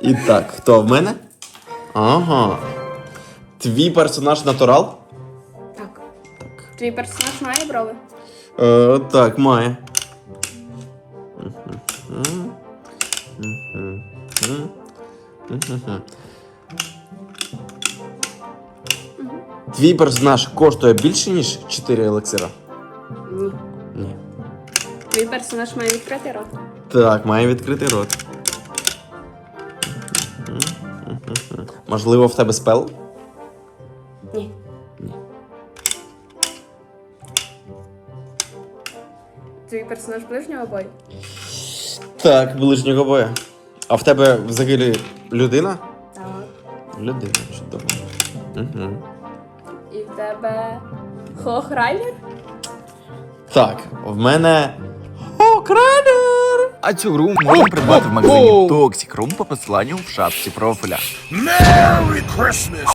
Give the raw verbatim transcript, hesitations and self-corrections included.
І так, хто в мене? Ага. Твій персонаж натурал? Так. Так. Твій персонаж має брови? Е, так, має. Твій персонаж коштує більше, ніж чотири елексира? Ні. Ні. Твій персонаж має відкритий рот? Так, має відкритий рот. Можливо, в тебе спел? Ні. Ні. Твій персонаж ближнього бою? Так, ближнього боя. А в тебе взагалі людина? Так. Людина, чудово. Угу. І в тебе Хохрайнер? Так, в мене Хокрайнер! А цю гру можна придбати в магазині Toxic Room по посиланню в шапці профіля. Merry Christmas!